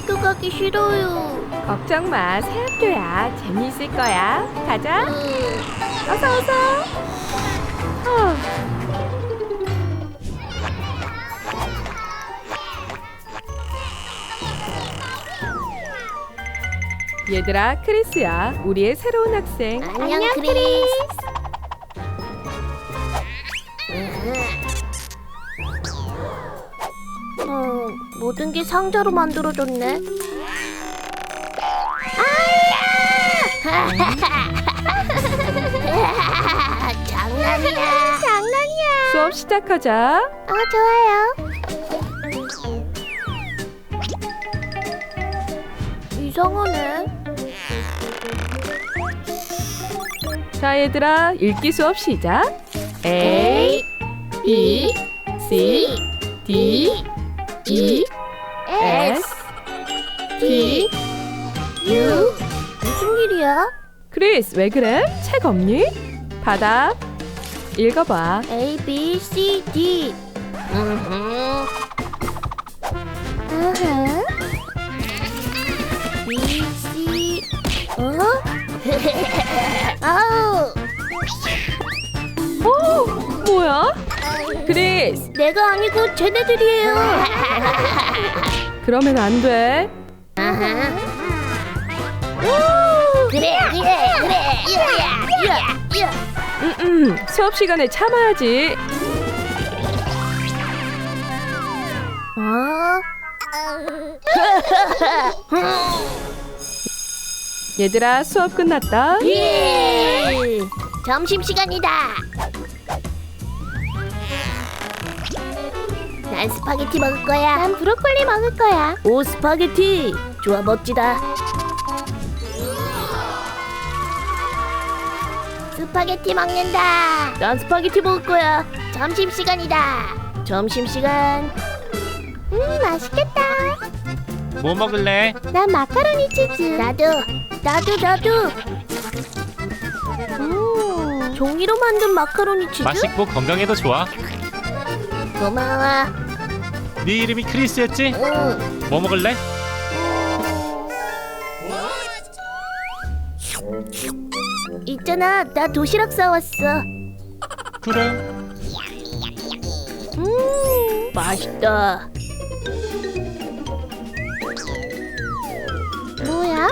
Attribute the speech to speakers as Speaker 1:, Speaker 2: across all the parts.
Speaker 1: 학교 가기 싫어요.
Speaker 2: 걱정 마, 새 학교야. 재미있을 거야. 가자. 어서 어서. 얘들아, 크리스야. 우리의 새로운 학생.
Speaker 1: 안녕 크리스. 모든 게 상자로 만들어졌네. 장난이야. 장난이야.
Speaker 2: 수업 시작하자.
Speaker 1: 좋아요. 이상하네.
Speaker 2: 자, 얘들아, 읽기 수업 시작. A, B, C, D, E, S, T,
Speaker 1: U. 무슨 일이야?
Speaker 2: 크리스, 왜 그래? 책 없니? 받아. 읽어봐.
Speaker 1: A, B, C, D. B, C. 아우.
Speaker 2: 뭐야? 크리스,
Speaker 1: 내가 아니고 쟤네들이에요.
Speaker 2: 그러면 안 돼.
Speaker 1: 그래.
Speaker 2: 수업 시간에 참아야지. 얘들아, 수업 끝났다.
Speaker 1: 예. 점심 시간이다. 난 스파게티 먹을 거야. 난 브로콜리 먹을 거야. 오, 스파게티. 좋아, 멋지다. 스파게티 먹는다. 난 스파게티 먹을 거야. 점심 시간이다. 점심 시간. 맛있겠다.
Speaker 3: 뭐 먹을래?
Speaker 1: 난 마카로니 치즈. 나도. 종이로 만든 마카로니 치즈?
Speaker 3: 맛있고 건강에도 좋아.
Speaker 1: 고마워.
Speaker 3: 네 이름이 크리스였지?
Speaker 1: 응.
Speaker 3: 뭐 먹을래?
Speaker 1: 있잖아, 나 도시락 싸왔어.
Speaker 3: 그래.
Speaker 1: 맛있다. 뭐야?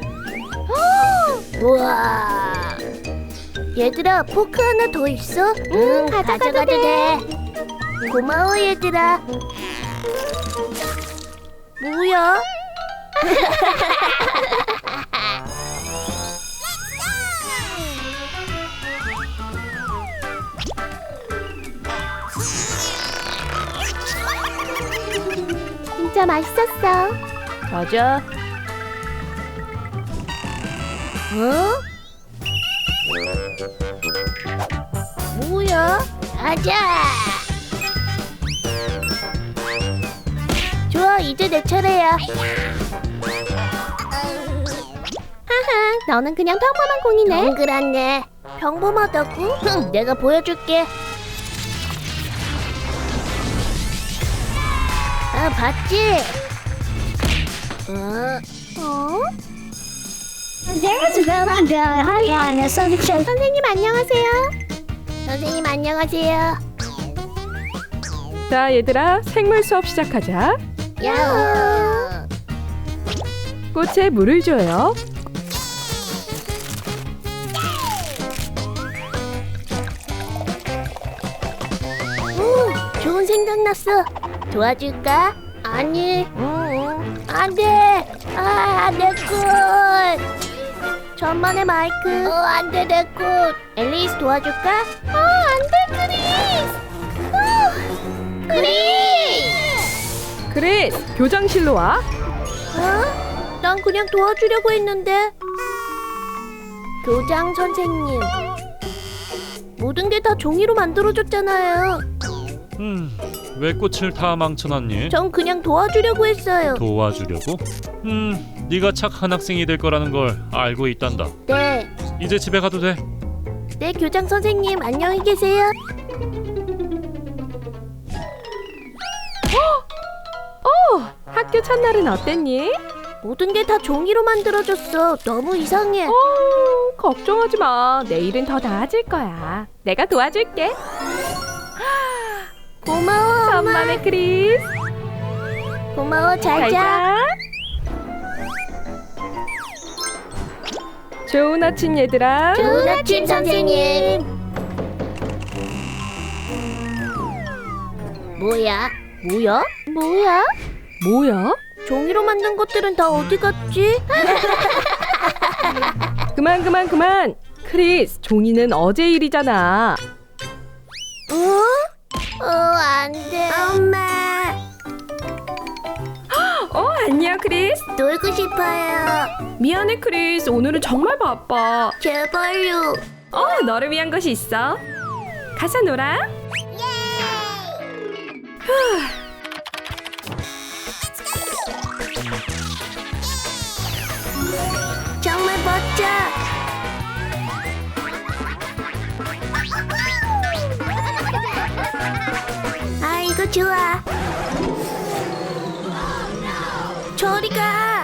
Speaker 1: 우와. 얘들아, 포크 하나 더 있어? 응, 가져가도 돼. 고마워, 얘들아. 뭐야? 진짜 맛있었어.
Speaker 2: 가자.
Speaker 1: 뭐야? 가자. 좋아, 이제 내 차례야. 하하, 너는 그냥 평범한 공이네. 동그랗네. 평범하다고? 흥, 내가 보여줄게. 봤지? 선생님 안녕하세요. 선생님 안녕하세요.
Speaker 2: 자, 얘들아, 생물 수업 시작하자.
Speaker 1: 야호.
Speaker 2: 꽃에 물을 줘요.
Speaker 1: 좋은 생각 났어. 도와줄까? 아니. 안 돼. 내 꽃. 천만의 마이크. 안 돼, 내 꽃. 앨리스 도와줄까? 안 돼, 크리스. 크리스.
Speaker 2: 크리스, 교장실로 와.
Speaker 1: 난 그냥 도와주려고 했는데. 교장 선생님. 모든 게 다 종이로 만들어졌잖아요.
Speaker 3: 왜 꽃을 다 망쳐놨니?
Speaker 1: 전 그냥 도와주려고 했어요.
Speaker 3: 도와주려고? 네가 착한 학생이 될 거라는 걸 알고 있단다.
Speaker 1: 네.
Speaker 3: 이제 집에 가도 돼.
Speaker 1: 네, 교장 선생님 안녕히 계세요.
Speaker 2: 학교 첫날은 어땠니?
Speaker 1: 모든 게 다 종이로 만들어졌어. 너무 이상해.
Speaker 2: 걱정하지 마. 내일은 더 나아질 거야. 내가 도와줄게.
Speaker 1: 고마워, 엄마.
Speaker 2: 천만의 크리스.
Speaker 1: 고마워, 잘
Speaker 2: 잘
Speaker 1: 자.
Speaker 2: 자. 좋은 아침 얘들아.
Speaker 1: 좋은 아침, 선생님. 뭐야? 뭐야? 뭐야?
Speaker 2: 뭐야?
Speaker 1: 종이로 만든 것들은 다 어디 갔지?
Speaker 2: 그만. 크리스, 종이는 어제 일이잖아.
Speaker 1: 안 돼. 엄마,
Speaker 2: 안녕 크리스.
Speaker 1: 놀고 싶어요.
Speaker 2: 미안해 크리스. 오늘은 정말 바빠.
Speaker 1: 제발요.
Speaker 2: 너를 위한 것이 있어. 가서 놀아.
Speaker 1: 정말 멋져. 아이고 좋아. 저리 가.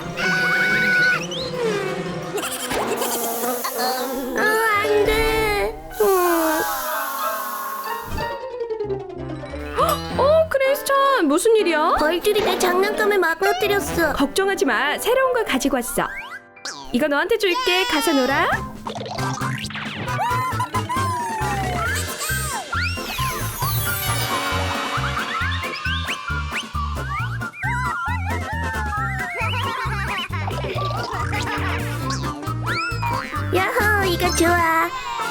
Speaker 1: 안 돼.
Speaker 2: 크리스찬, 무슨 일이야?
Speaker 1: 벌들이 내 장난감을 망가뜨렸어.
Speaker 2: 걱정하지 마. 새로운 걸 가지고 왔어. 이거 너한테 줄게. 가서 놀아.
Speaker 1: 야호, 이거 좋아.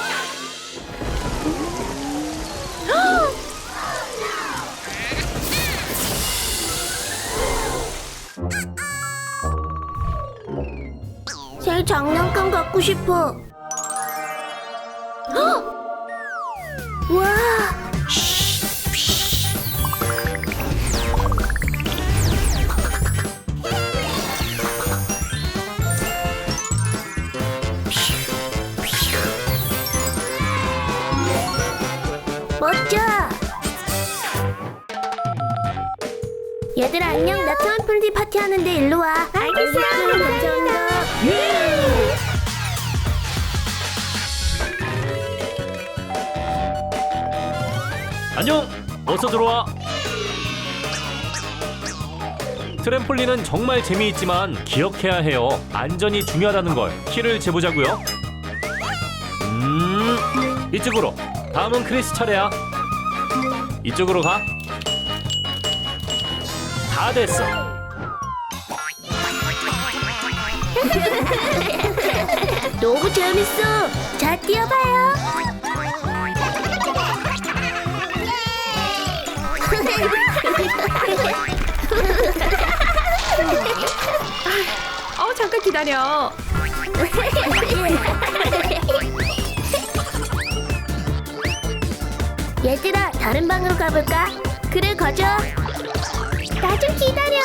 Speaker 1: 새 장난감 갖고 싶어. 와. 멋져. 얘들아 안녕. 나 트럼플린 파티 하는데 일로 와.
Speaker 2: 알겠어.
Speaker 1: 감사합니다.
Speaker 3: 안녕. 어서 들어와. 트램폴린은 정말 재미있지만 기억해야 해요. 안전이 중요하다는 걸. 키를 재보자고요. 이쪽으로. 다음은 크리스 차례야. 이쪽으로 가. 다 됐어.
Speaker 1: 너무 재밌어. 자, 뛰어봐요.
Speaker 2: 잠깐 기다려.
Speaker 1: 얘들아, 다른 방으로 가볼까? 그래, 가자. 나 좀 기다려.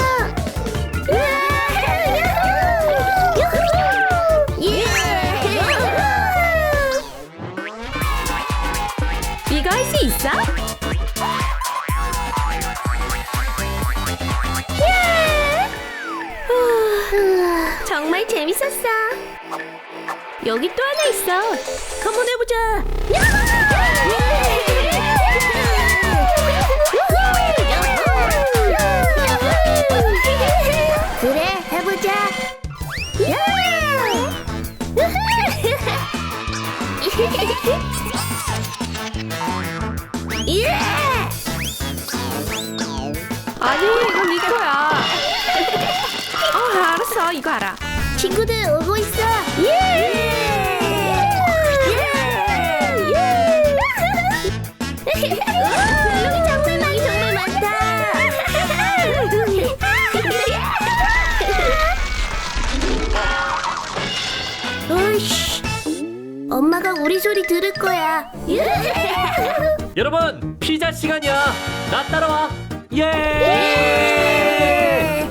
Speaker 2: 이거 할 수 있어?
Speaker 1: 정말 재밌었어.
Speaker 2: 여기 또 하나 있어.
Speaker 1: 한번 해보자. 그래, 해보자.
Speaker 2: 아니, 이건 네 거야. 알았어. 이거 알아.
Speaker 1: 친구들 오고 있어. 블록이 정말 많다. 으이씨, 엄마가 우리 소리 들을 거야.
Speaker 3: 여러분, 피자 시간이야. 나 따라와. 예!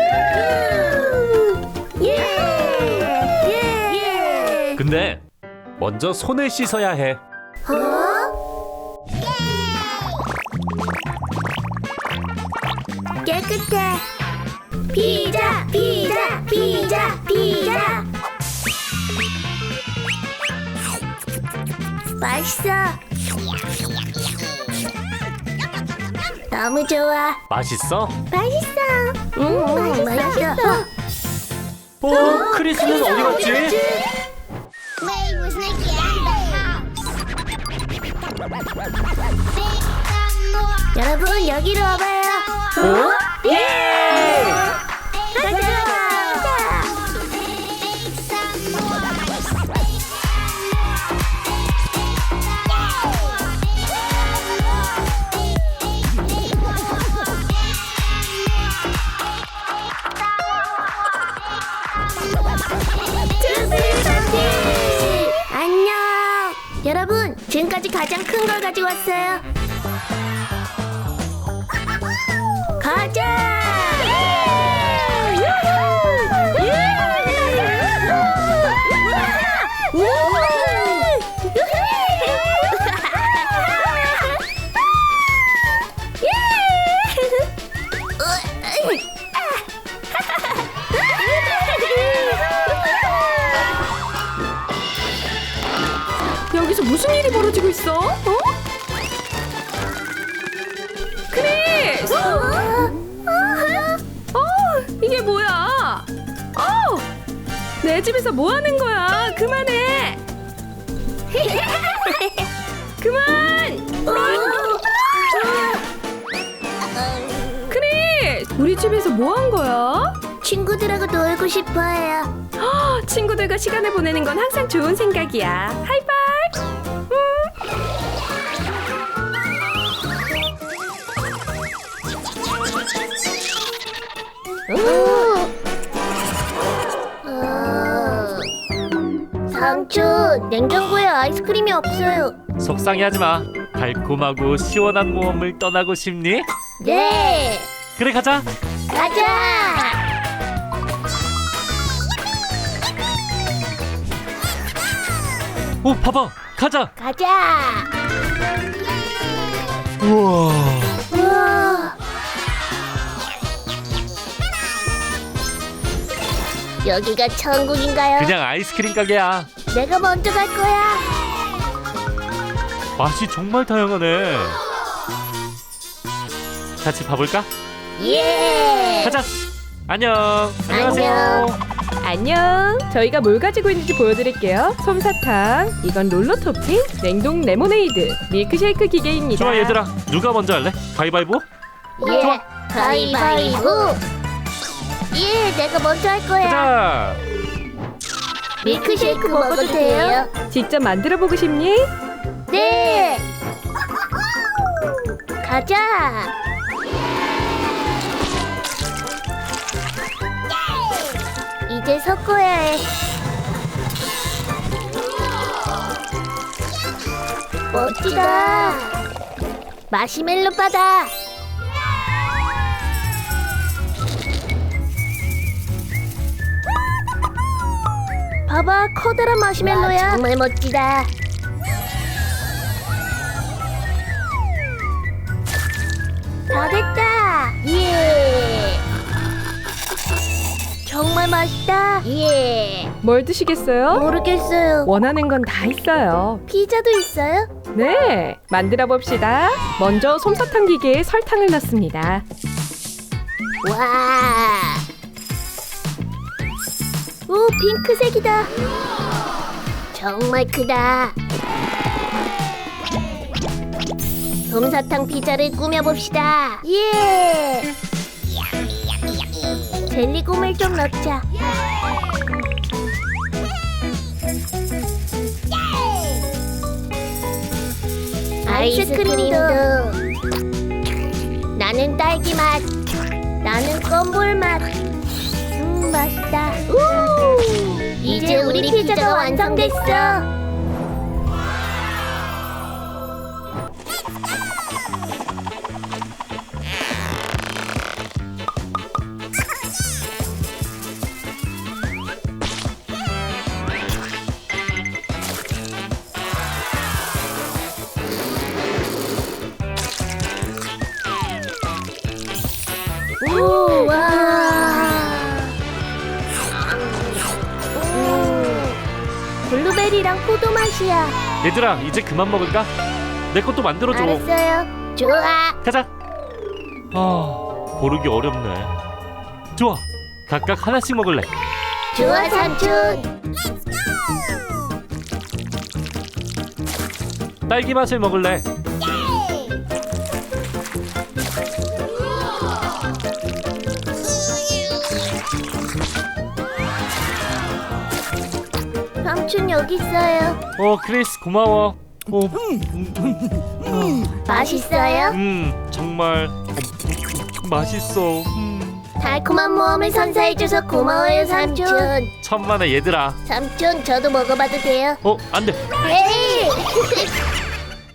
Speaker 3: 근데 먼저 손을 씻어야 해.
Speaker 1: 깨끗해. 피자 피자 피자 피자. 맛있어. 너무 좋아.
Speaker 3: 맛있어?
Speaker 1: 맛있어. 맛있어.
Speaker 3: 크리스는 어디 갔지?
Speaker 4: Wait, was Nikki in the house?
Speaker 1: 여러분 여기로 와봐요.
Speaker 3: 예!
Speaker 1: 가자. 안녕. 여러분 지금까지 가장 큰 걸 가지고 왔어요. 가자.
Speaker 2: 여기서 무슨 일이 벌어지고 있어? 크리스! 이게 뭐야? 내 집에서 뭐 하는 거야? 그만해! 그만! 크리스! 우리 집에서 뭐 한 거야?
Speaker 1: 친구들하고 놀고 싶어요.
Speaker 2: 친구들과 시간을 보내는 건 항상 좋은 생각이야. 하이파이브!
Speaker 1: 삼촌, 냉장고에 아이스크림이 없어요.
Speaker 3: 속상해하지 마. 달콤하고 시원한 모험을 떠나고 싶니?
Speaker 1: 네,
Speaker 3: 그래 가자.
Speaker 1: 가자.
Speaker 3: 오 봐봐. 가자.
Speaker 1: 가자.
Speaker 3: 우와.
Speaker 1: 우와. 여기가 천국인가요?
Speaker 3: 그냥 아이스크림 가게야.
Speaker 1: 내가 먼저 갈 거야.
Speaker 3: 맛이 정말 다양하네. 같이 봐볼까?
Speaker 1: 예.
Speaker 3: 가자. 안녕. 안녕하세요.
Speaker 2: 안녕. 저희가 뭘 가지고 있는지 보여드릴게요. 솜사탕, 이건 롤러 토핑, 냉동 레모네이드, 밀크쉐이크 기계입니다.
Speaker 3: 좋아 얘들아. 누가 먼저 할래? 가위바위보?
Speaker 1: 예.
Speaker 3: 좋아.
Speaker 1: 가위바위보. 예, 내가 먼저 할 거야.
Speaker 3: 가자.
Speaker 1: 밀크쉐이크 먹어도 돼요?
Speaker 2: 직접 만들어 보고 싶니?
Speaker 1: 네. 가자. 이제 섞어야 해. 멋지다. 마시멜로 바다. 봐봐, 커다란 마시멜로야. 정말 멋지다. 다 됐다. 예. 정말 맛있다. 예.
Speaker 2: 뭘 드시겠어요?
Speaker 1: 모르겠어요.
Speaker 2: 원하는 건 다 있어요.
Speaker 1: 피자도 있어요?
Speaker 2: 네, 만들어 봅시다. 먼저 솜사탕 기계에 설탕을 넣습니다.
Speaker 1: 와. 오, 핑크색이다. 정말 크다. 솜사탕 피자를 꾸며봅시다. 예. 젤리곰을 좀 넣자. 아이스크림도. 나는 딸기 맛. 나는 껌볼 맛. 맛있다. 이제 우리 피자가 완성됐어. 우와. 블루베리랑 포도 맛이야.
Speaker 3: 얘들아, 이제 그만 먹을까? 내 것도 만들어줘.
Speaker 1: 알았어요. 좋아.
Speaker 3: 가자. 고르기 어렵네. 좋아, 각각 하나씩 먹을래.
Speaker 1: 좋아 삼촌.
Speaker 3: 딸기 맛을 먹을래.
Speaker 1: 삼촌 여기 있어요.
Speaker 3: 크리스 고마워.
Speaker 1: 맛있어요?
Speaker 3: 정말 맛있어.
Speaker 1: 달콤한 모험을 선사해줘서 고마워요 삼촌.
Speaker 3: 천만에 얘들아.
Speaker 1: 삼촌 저도 먹어봐도 돼요?
Speaker 3: 안 돼.
Speaker 1: 에이.